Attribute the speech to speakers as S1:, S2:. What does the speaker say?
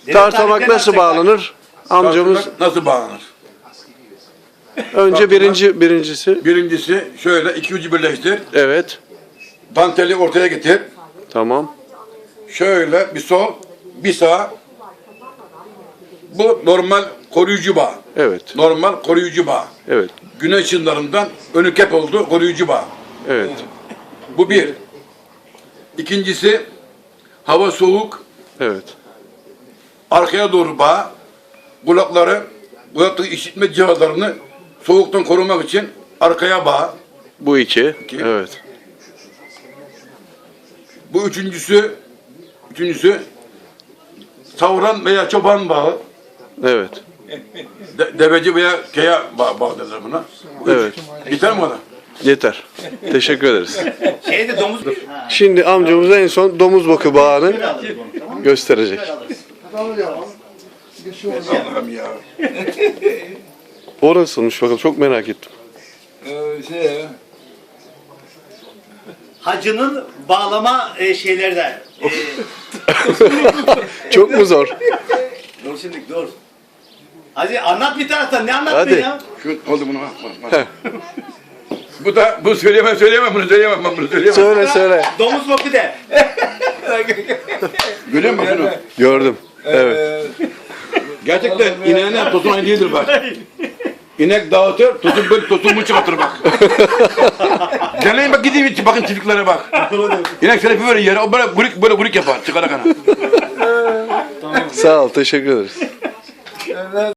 S1: Tartamak nasıl bağlanır? Amcamız
S2: Tartamak nasıl bağlanır?
S1: önce birincisi.
S2: Birincisi şöyle iki ucu birleştir.
S1: Evet.
S2: Danteli ortaya getir.
S1: Tamam.
S2: Şöyle bir sol, bir sağ. Bu normal koruyucu bağ.
S1: Evet.
S2: Normal koruyucu bağ.
S1: Evet.
S2: Güneş ışınlarından önü kep oldu koruyucu bağ.
S1: Evet.
S2: Bu bir. İkincisi hava soğuk,
S1: Evet.
S2: arkaya doğru bağ. Kulaklık işitme cihazlarını soğuktan korumak için arkaya bağ.
S1: Bu iki.
S2: İki.
S1: Evet.
S2: Bu üçüncüsü savuran veya çoban bağı.
S1: Evet.
S2: Deveci veya keya bağı derler buna. Bu üç.
S1: Evet.
S2: Yeter mi bana?
S1: Yeter. Teşekkür ederiz.
S3: Şeyde domuz
S1: Şimdi amcamız en son domuz bakı bağını gösterecek.
S2: Allah'ım ya.
S1: O nasılmış bakalım, çok merak ettim.
S3: hacının bağlama şeyleri de.
S1: Çok mu zor?
S3: Dur şimdi dur. Hadi anlat bir taraftan, ne anlatmıyorsun
S1: Hadi.
S3: ya?
S2: Şu oldu bunu. Bu söyleyemem bunu söyleyemem ben bunu söyleyemem.
S1: Söyle.
S3: Domuz boku de.
S2: Görüyor musun şunu?
S1: Gördüm. Evet.
S2: Gerçekten ineğine tosun aynı değildir bak. İnek dağıtır, tosun bu çıkartır bak. Deneyin bak gidin bakın çiftliklere bak. İnek selefi böyle yere o böyle gurik yapar çıkara kana.
S1: Sağ ol, teşekkür ederiz.